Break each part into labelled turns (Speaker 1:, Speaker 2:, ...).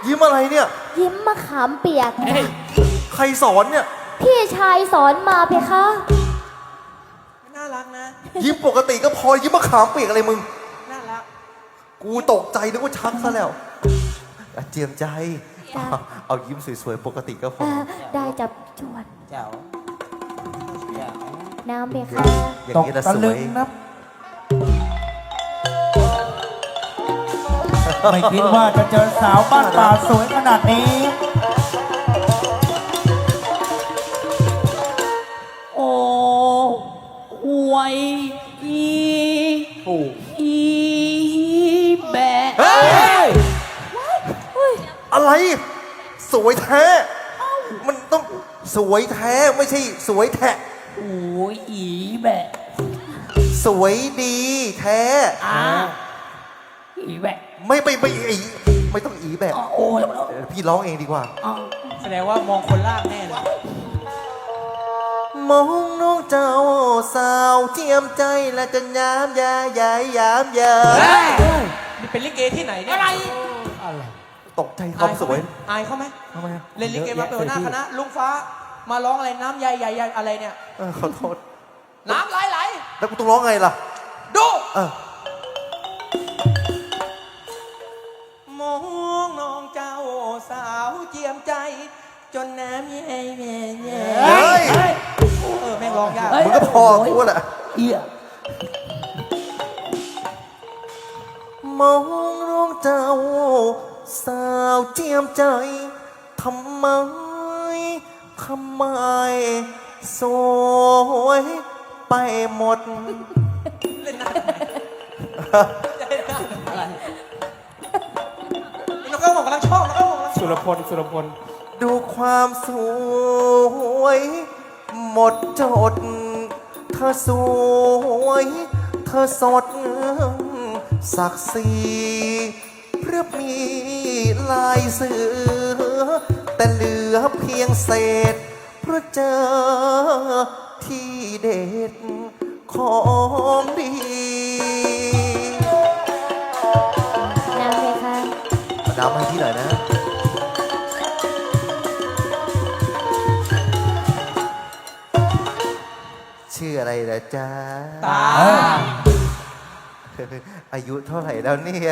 Speaker 1: ยิ้มอะไรเนี่ย
Speaker 2: ยิ้มมะขามเปียก
Speaker 1: ใครสอนเนี่ย
Speaker 2: พี่ชายสอนมาเพคะ
Speaker 3: น่ารักนะ
Speaker 1: ยิ้มปกติก็พอยิ้มมะขามเปียกอะไรมึง
Speaker 3: น่ารัก
Speaker 1: กูตกใจนึกว่าชักซะแล้วเจียมใจ เอายิ้มสวยๆปกติก็พอ
Speaker 2: ได้จับจวน
Speaker 3: แจ๋วแจ๋ว
Speaker 2: น้ำเพคะ
Speaker 1: อย่าง
Speaker 4: ตก
Speaker 1: นี้ละ
Speaker 4: ตะ
Speaker 1: ส
Speaker 4: ลึ
Speaker 1: ว
Speaker 4: ง
Speaker 1: ย
Speaker 4: นะไม่คิดว่าจะเจอสาวบ้านป่าสวยขนาดนี้
Speaker 5: โอ้หวยอีแบะ
Speaker 1: เฮ้ย อะไร สวยแท้ มันต้องสวยแท้ไม่ใช่สวยแทะ
Speaker 5: โอ้ยอีแบะ
Speaker 1: สวยดีแท้
Speaker 5: อีแบะ
Speaker 1: ไม่อีไม่ต้องอีแบบ
Speaker 5: โอ้ย
Speaker 1: พี่ร้องเองดีกว่า
Speaker 3: แสดงว่ามองคนลากแน่เลย
Speaker 1: มองน้องเจ้าสาวเจียมใจและจะยามยาใหญ่ยามยา
Speaker 3: นี่เป็นลิเกที่ไหนเนี่ย
Speaker 5: อะไร
Speaker 1: ตกใจความสวย
Speaker 3: อายเขาไหม
Speaker 1: ทำไมอะ
Speaker 3: เล่นลิเกมาเป็นหัวหน้าคณะลุงฟ้ามาร้องอะไรน้ำใหญ่ใหญ่อะไรเนี่ย
Speaker 1: ขอโทษ
Speaker 3: น้ำไหล
Speaker 1: แล้วกูต้องร้องไงล่ะ
Speaker 3: ดู
Speaker 1: เออ
Speaker 3: มองน้องเจ้าสาวเจียมใจ จนน้ำแย่แย่แย่
Speaker 1: เฮ้ย
Speaker 3: แม่งร้องยาก
Speaker 1: มึงก็พอกูแหละ
Speaker 5: เอีย
Speaker 1: มองน้องเจ้าสาวเจียมใจทำไมสวยไปหมด
Speaker 3: เล่นหน้าอะไรน้องก็บอกกำลังชอบน้องก็บอกกำลัง
Speaker 4: สุรพล
Speaker 1: ดูความสวยหมดจด เธอสวยเธอสดศักดิ์ศรีเพราะมีลายเสือแต่เหลือเพียงเศษเพราะเจอที่เด็ดของดี
Speaker 2: น้ำเพคะ
Speaker 1: มาดามให้ที่หน่อยนะ ชื่ออะไรนะจ๊ะ
Speaker 3: ตา
Speaker 1: อายุเท่าไหร่แล้วเนี่ย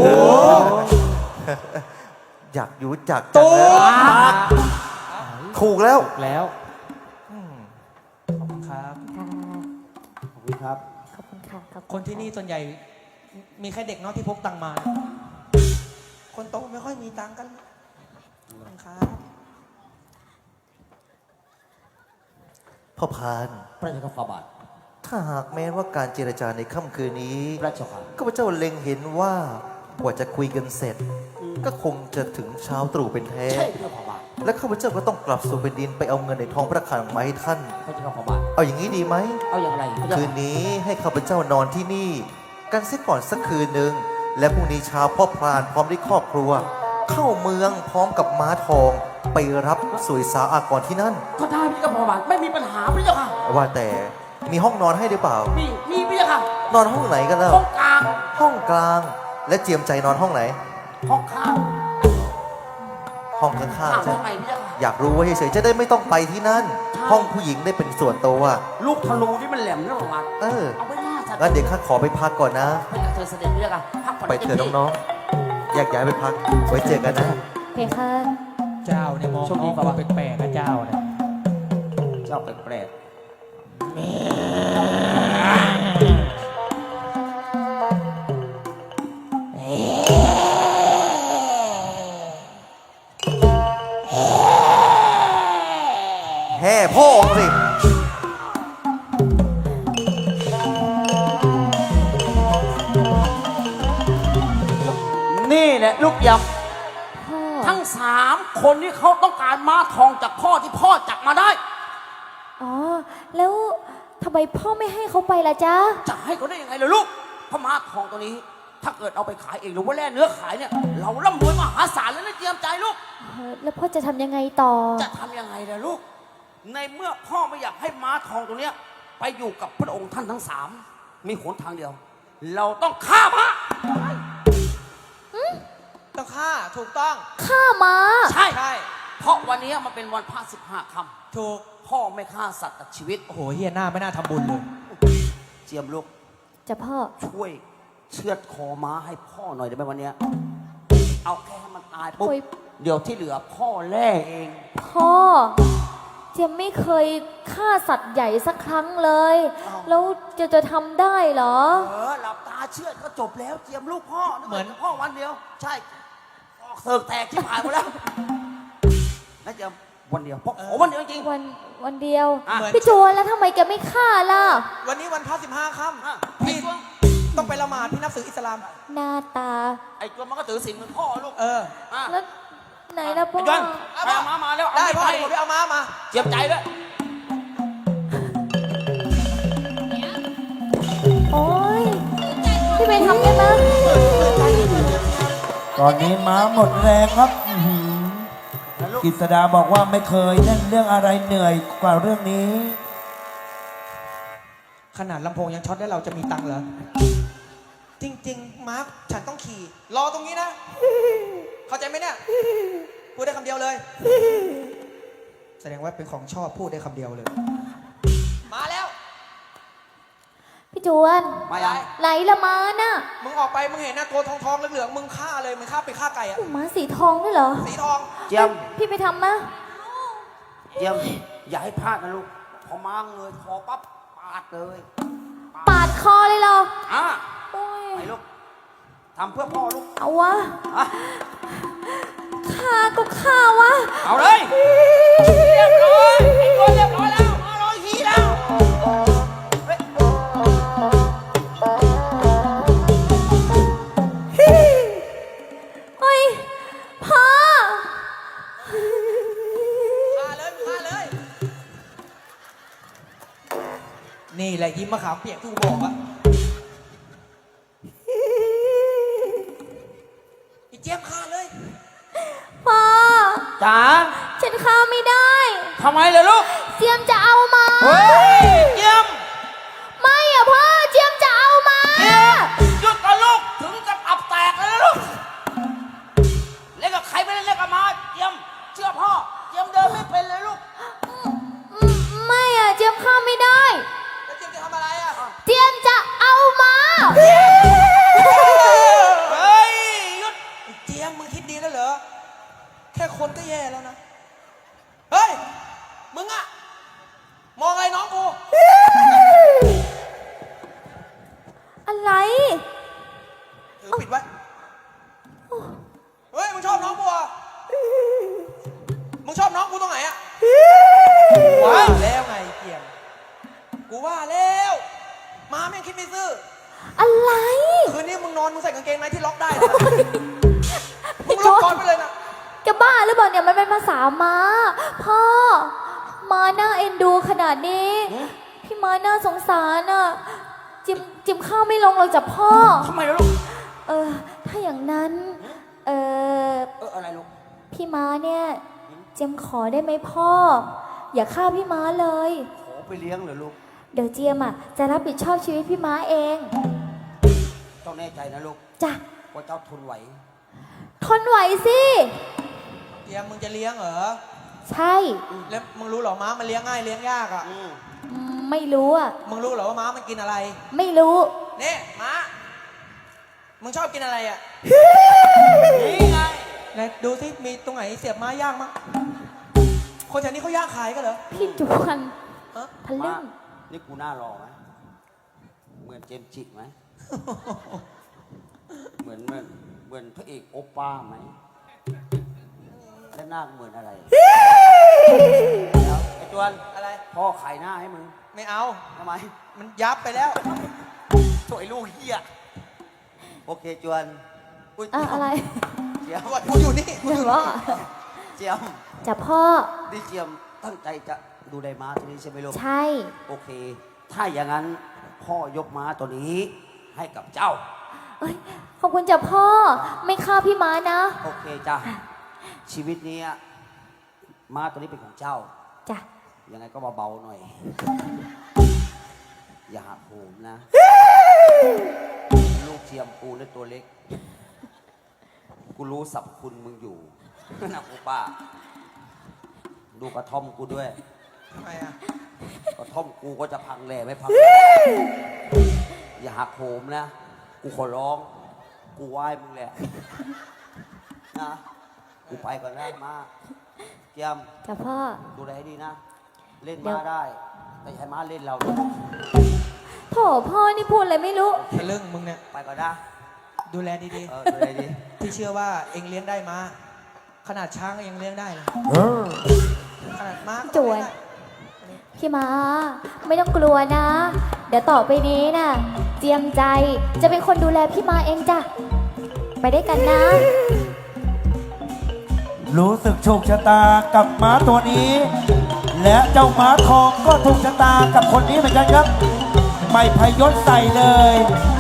Speaker 1: อยากรู้จักจัง
Speaker 3: ตัว
Speaker 1: เลยถูกแล้ว
Speaker 3: แล้วขอบคุณครับ
Speaker 2: ค่ะ
Speaker 4: ขอบคุณครับ
Speaker 2: ขอบคุณค่ะขอบ
Speaker 3: ค
Speaker 2: คุณ
Speaker 3: ที่นี่ส่วนใหญ่มีแค่เด็กเนาะที่พกตังค์มา คนโตไม่ค่อยมีตังค์กันขอบคุณครับ
Speaker 1: พ่อพาน
Speaker 5: พระเจ้าข้าบาท
Speaker 1: ถ้าหากแม้ว่าการเจรจาในค่ำคืนนี้
Speaker 5: พระเจ้าค่ะ
Speaker 1: ข้าพเจ้าเล็งเห็นว่ากว่าจะคุยกันเสร็จ ก็คงจะถึงเช้าตรู่เป็นแท้
Speaker 5: ใช่พระเจ้าข้าบาท
Speaker 1: และข้าพเจ้าก็ต้องกลับสู่แผ่นดินไปเอาเงินในท้องพระคลังมาให้ท่าน
Speaker 5: พระเจ้าข้าบาท
Speaker 1: เอาอย่างนี้ดีไหม
Speaker 5: เอาอย่างไรพระเจ้า
Speaker 1: คืนนี้ให้ข้าพเจ้านอนที่นี่ กันเสียก่อนสักคืนหนึ่งและพรุ่งนี้เช้าพ่อพรานพร้อมด้วยครอบครัว เข้าเมืองพร้อมกับม้าทอง ไปรับสุยสาอากรที่นั่น
Speaker 5: ก็ได้พระเจ้าข้าบาทไม่มีปัญหาพระเจ้าค่ะ
Speaker 1: ว่าแต่มีห้องนอนให้หรือเปล่า
Speaker 5: มีพระเจ้าค่ะ
Speaker 1: นอนห้องไหนกันล่ะ
Speaker 5: ห้องกลาง
Speaker 1: ห้องกลาง และเจียมใจนอนห้องไหน
Speaker 5: ห้องข้าง
Speaker 1: ห้องข้างๆ
Speaker 5: ข้าง
Speaker 1: ใช่
Speaker 5: ทำไมพระเจ้าค่ะ
Speaker 1: อยากรู้ว่าเฉยๆจะได้ไม่ต้องไปที่นั่น ห้องผู้หญิงได้เป็นส่วนตัว
Speaker 5: ลูกธนูที่มันแหลมนั่นออกมา
Speaker 1: เออ
Speaker 5: เอาไว้หน้าฉัน
Speaker 1: งั้นเดี๋ยวข้าขอไปพักก่อนนะ
Speaker 5: ไปกับเธอเสด็จพระเจ้าค่ะพักผ่อน
Speaker 1: ไปเถอะน้องๆแยกย้ายไปพัก ไว้เจอกันนะ
Speaker 2: เพคะ
Speaker 3: เจ้าเนี่ยมองน้องดูแปลกๆนะเจ้าเนี่ย
Speaker 5: เจ้าแปลก
Speaker 1: แห่พ่อสิ
Speaker 5: นี่แหละลูกย
Speaker 2: พ่อ
Speaker 5: ำทั้ง3 คนที่เขาต้องการม้าทองจากพ่อที่พ่อจับมาได้
Speaker 2: อ๋อ แล้วทำไมพ่อไม่ให้เขาไปล่ะจ๊ะ
Speaker 5: จะให้เขาได้ยังไงล่ะลูกเพราะม้าทองตัวนี้ ถ้าเกิดเอาไปขายเองหรือว่าแล่เนื้อขายเนี่ย เราร่ำรวยมหาศาลแล้วนะเตรียมใจลูก
Speaker 2: แล้วพ่อจะทำยังไงต่อ
Speaker 5: จะทำยังไงล่ะลูก ในเมื่อพ่อไม่อยากให้ม้าทองตัวเนี้ยไปอยู่กับพระองค์ท่านทั้ง3มีหนทางเดียว เราต้องฆ่าม้า
Speaker 3: ตต้องฆ่าถูกต้อง
Speaker 2: ฆ่าม้า
Speaker 5: ใช่
Speaker 3: ใช่
Speaker 5: เพราะวันนี้มันเป็นวันพระ15 ค่ำ
Speaker 3: ถูก
Speaker 5: พ่อไม่ฆ่าสัตว์ตัดชีวิต
Speaker 3: โอ้โหเฮียหน้าไม่น่าทำบุญเลย
Speaker 5: เจียมลูก
Speaker 2: จะพ่อ
Speaker 5: ช่วยเชือดคอม้าให้พ่อหน่อยได้ไหมวันเนี้ยเอาแค่ให้มันตายปุ๊บ
Speaker 2: โอ้ย
Speaker 5: เดี๋ยวที่เหลือพ่อแล่เอง
Speaker 2: พ่อ เจียมไม่เคยฆ่าสัตว์ใหญ่สักครั้งเลย แล้วจะทำได้เหรอ
Speaker 5: หลับตาเชือดก็จบแล้วเจียมลูกพ่อเหมือนพ่อวันเดียว ใช่เสิร์กแตกที่หายหมดแล้วนะเจียมวันเดียวพ่อขอวันเดียวจริง
Speaker 2: วันเดียว
Speaker 5: อ่ะ
Speaker 2: พี่จวนแล้วทำไมแกไม่ฆ่าล่ะ
Speaker 3: วันนี้วันพระ15 ค่
Speaker 5: อ่ะ
Speaker 3: ำพี่ต้องไปละหมาดพี่นับถืออิสลาม
Speaker 2: หน้าตา
Speaker 5: ไอ้ตัวมันก็ถือศีลเหมือนพ่อลูก
Speaker 3: เออ
Speaker 5: อ่ะ
Speaker 2: แล้วไหนล่ะพ่อ
Speaker 5: ไอ้จวนไปเอาม้ามาแล้ว
Speaker 3: ได้พ่อ
Speaker 5: ไป
Speaker 3: เดี๋ยวผมไปเอาม้ามา
Speaker 5: เจียมใจด้วย
Speaker 2: โอ้ยพี่ไปทำได้ไหม
Speaker 4: ตอนนี้ม้าหมดแรงครับอื้อหือ กฤษดาบอกว่าไม่เคยเล่นเรื่องอะไรเหนื่อยกว่าเรื่องนี้
Speaker 3: ขนาดลำโพงยังช็อตได้เราจะมีตังค์เหรอ จริง ๆ มาร์คฉันต้องขี่ รอตรงนี้นะ เข้าใจไหมเนี่ย พูดได้คำเดียวเลย แสดงว่าเป็นของชอบพูดได้คำเดียวเลย มาแล้ว
Speaker 2: พี่จวน
Speaker 5: มายัง
Speaker 2: ไหนละม้าน่ะ
Speaker 3: มึงออกไปมึงเห็นนะตัวทองๆเหลืองๆมึงฆ่าเลยมึงฆ่าไปฆ่าไก่อะ
Speaker 2: ม้าสีทองด้วยเหรอ
Speaker 3: สีทอง
Speaker 5: เจียม
Speaker 2: พี่ไปทำมะ
Speaker 5: เจียมอย่าให้พลาดนะลูกพอม้าเงยคอปั๊บปาดเลย
Speaker 2: ปาดคอเลยเหรอ
Speaker 5: อ่ะ
Speaker 2: โอ้ย
Speaker 5: ไปลูกทำเพื่อพ่อลูก
Speaker 2: เอาวะ
Speaker 5: อ่ะ
Speaker 2: ฆ่าก็ฆ่าวะ
Speaker 5: เอาเลยเรียบร้อยไอ้ตัวเรียบร้อยแล้วมารอยขี้แล้วเฮ้ย
Speaker 2: เฮ้ยพ่อ
Speaker 3: ฆ่าเลยมึงฆ่าเลย นี่แหละยิ้มมะขามเปียกที่กูบอกอะไอ้เจี๊ยบฆ่าเลย
Speaker 2: พ่อ
Speaker 5: จ๋า
Speaker 2: ฉันฆ่าไม่ได้
Speaker 5: ทำไมเลยลูก
Speaker 2: เจียมจะเอามา
Speaker 5: เฮ้ยเจียม
Speaker 2: ไม่อะพ่อ เจียมจะเอามา
Speaker 5: เจียมหยุดก่อนลูกถึงกับอับแตกเลยนะลูกเล่นกับใครไม่ได้เล่นกับมาเจียมเชื่อพ่อเจียมเดินไม่เป็นเลยลูก
Speaker 2: ไม่อะเจียมฆ่าไม่ได้
Speaker 3: แล้วเจี๊ยบจะทำอะไรอะ
Speaker 2: เจียมจะเอามา
Speaker 5: เฮ้ยหยุด
Speaker 3: ไอ้เจี๊ยบมึงคิดดีแล้วเหรอ แค่คนก็แย่แล้วนะ เฮ้ย มึงอะมองอะไรน้องกู
Speaker 2: อะไร
Speaker 3: ถือปิดไว้ เฮ้ย มึงชอบน้องกูเหรอ่ะมึงชอบน้องกูตรงไหนอะว่าแล้วไงเกียมกูว่าแล้ว มาแม่งคิดไม่ซื่อ
Speaker 2: อะไร
Speaker 3: คืนนี้มึงนอนมึงใส่กางเกงในที่ล็อกได้นะมึงล็อกก่อนไปเลยนะ
Speaker 2: จะบ้าหรือเปล่าเนี่ยมันเป็นภาษาม้า พ่อ ม้าน่าเอ็นดูขนาดนี้ พี่ม้าน่าสงสารอ่ะ จิมข้าวไม่ลงหรอกจ้ะพ่อ
Speaker 5: ทำไมล่ะลูก
Speaker 2: ถ้าอย่างนั้น
Speaker 5: อะไรลูก
Speaker 2: พี่ม้าเนี่ยเจียมขอได้ไหมพ่อ อย่าฆ่าพี่ม้าเลย
Speaker 5: ขอไปเลี้ยงเหรอลูก
Speaker 2: เดี๋ยวเจียมอ่ะจะรับผิดชอบชีวิตพี่ม้าเอง
Speaker 5: ต้องแน่ใจนะลูก
Speaker 2: จ้ะ
Speaker 5: ว่าเจ้าทนไหว
Speaker 2: ทนไหวสิ
Speaker 3: เกียมมึงจะเลี้ยงเหรอ
Speaker 2: ใช่
Speaker 3: แล้วมึงรู้เหรอม้ามันเลี้ยงง่ายเลี้ยงยากอ่ะ
Speaker 2: ไม่รู้อ่ะ
Speaker 3: มึงรู้เหรอว่าม้ามันกินอะไร
Speaker 2: ไม่รู้
Speaker 3: เนี่ยม้า มึงชอบกินอะไรอ่ะ
Speaker 5: นี่ไง
Speaker 3: ไหนดูสิมีตรงไหนเสียบม้าย่างมั้งคนแถวนี้เขาย่างขายกันเหรอ
Speaker 2: พี่จวน
Speaker 3: ฮะ
Speaker 2: ทะลึ่ง
Speaker 5: นี่กูหน้ารอไหมเหมือนเจมส์จิไหม เหมือนพระเอกโอป้าไหมและหน้าเหมือนอะไรแล้วไอ้จวน
Speaker 3: อะไร
Speaker 5: พ่อขายหน้าให้มึง
Speaker 3: ไม่เอา
Speaker 5: ทำไม
Speaker 3: มันยับไปแล้ว
Speaker 5: สวยลูกเฮียโอเคจวนอุ๊ย
Speaker 2: อะไร
Speaker 5: เจียม
Speaker 3: กูอยู่นี่
Speaker 2: เดี๋ยวว่า
Speaker 5: เจียม
Speaker 2: จะพ่อ
Speaker 5: นี่เจียมตั้งใจจะดูแลม้าตัวนี้ใช่ไหมลูก
Speaker 2: ใช่
Speaker 5: โอเค ถ้าอย่างนั้นพ่อยกม้าตัวนี้ให้กับเจ้า
Speaker 2: เอ้ยขอบคุณจ้ะพ่อ ไม่ฆ่าพี่ม้านะ
Speaker 5: โอเคจ้ะ ชีวิตนี้ม้าตัวนี้เป็นของเจ้า
Speaker 2: จ้ะ
Speaker 5: ยังไงก็เบาๆหน่อย อย่าหักโหมนะ ลูกเทียมกูและตัวเล็ก กูกูรู้สรรพคุณมึงอยู่ นะกูป้า ดูกระท่อมกูด้วย
Speaker 3: ทำไมอ่ะ
Speaker 5: กระท่อมกูก็จะพังแหล่ไม่พัง อย่าหักโหมนะ กูขอร้อง กูไหว้มึงแหละนะ กูไปก่อนนะมาเกียม
Speaker 2: จ้ะพ่อ
Speaker 5: ดูแลให้ดีนะ เล่น
Speaker 2: เดี๋
Speaker 5: มา
Speaker 2: ยว
Speaker 5: ได้ แต่ใช้ม้าเล่นเรานะ
Speaker 2: โถพ่อนี่พูดอะไรไม่รู้
Speaker 3: ทะลึ่งมึงเนี่ย
Speaker 5: ไปก่อนนะ
Speaker 3: ดูแลดี
Speaker 5: ดูแลดี
Speaker 3: ๆ พี่เชื่อว่าเองเลี้ยงได้ม้า ขนาดช้างก็ยังเลี้ยงได้เลย ขนาดม้าก็
Speaker 2: จวน
Speaker 3: เลี้ยงได้
Speaker 2: พี่มาไม่ต้องกลัวนะ เดี๋ยวต่อไปนี้น่ะ เจียมใจจะเป็นคนดูแลพี่มาเองจ้ะ ไปได้วยกันนะ
Speaker 4: รู้สึกโชคชะตากับม้าตัวนี้ และเจ้าม้าทองก็ถูกชะตากับคนนี้เหมือนกันครับ ไม่พยศใส่เลย